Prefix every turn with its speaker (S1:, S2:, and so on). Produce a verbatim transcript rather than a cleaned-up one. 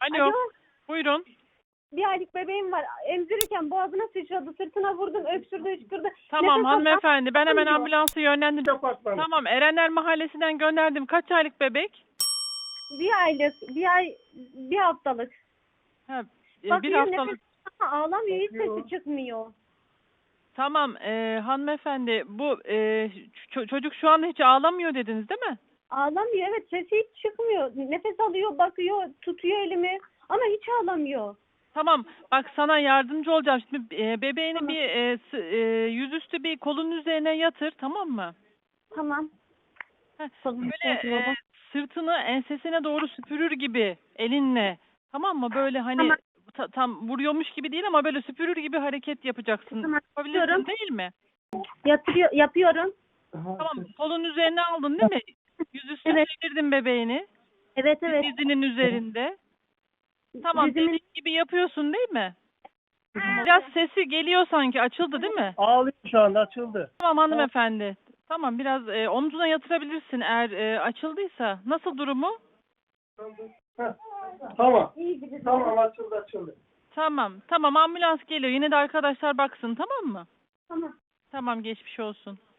S1: Alo.
S2: Alo.
S1: Buyurun.
S2: Bir aylık bebeğim var. Emzirirken boğazına sıçradı. Sırtına vurdum. Öksürdü, öksürdü.
S1: Tamam
S2: Nefes
S1: hanımefendi. Ben hemen
S2: alamıyor.
S1: ambulansı yönlendirdim.
S3: Apartman.
S1: Tamam Erenler Mahallesi'nden gönderdim. Kaç aylık bebek?
S2: Bir aylık, bir ay, bir haftalık.
S1: Ha, e, bir
S2: Bakıyor,
S1: haftalık.
S2: nefes ama ağlamıyor. Hiç
S3: Bakıyor.
S2: sesi çıkmıyor.
S1: Tamam e, hanımefendi. Bu e, ç- çocuk şu anda hiç ağlamıyor dediniz değil mi?
S2: Ağlamıyor, evet. Sesi hiç çıkmıyor. Nefes alıyor, bakıyor, tutuyor elimi. Ama hiç ağlamıyor.
S1: Tamam. Bak sana yardımcı olacağım. Şimdi e, bebeğini
S2: Tamam.
S1: bir e, s- e, yüzüstü bir kolun üzerine yatır, tamam mı?
S2: Tamam.
S1: Heh,
S2: Kolum
S1: Böyle
S2: üzerine
S1: e,
S2: baba.
S1: sırtını ensesine doğru süpürür gibi elinle. Tamam mı? Böyle hani
S2: Tamam.
S1: ta- tam vuruyormuş gibi değil ama böyle süpürür gibi hareket yapacaksın.
S2: Tamam,
S1: Yapabilirsin
S2: yapıyorum.
S1: değil mi?
S2: Yatırıyor, yapıyorum.
S1: Tamam. Kolun üzerine aldın değil mi? Yüzüstü
S2: Evet.
S1: çevirdin bebeğini.
S2: Evet, evet.
S1: Dizinin üzerinde. Tamam.
S2: Dizimin-
S1: Dediğim gibi yapıyorsun değil mi? Biraz sesi geliyor sanki. Açıldı değil mi?
S3: Ağlıyor şu anda, açıldı.
S1: Tamam hanımefendi. Tamam biraz e, omzuna yatırabilirsin eğer e, açıldıysa. Nasıl durumu?
S3: Heh. Tamam.
S2: İyi gibi.
S3: Tamam, açıldı açıldı.
S1: Tamam. Tamam ambulans geliyor. Yine de arkadaşlar baksın tamam mı?
S2: Tamam.
S1: Tamam geçmiş olsun.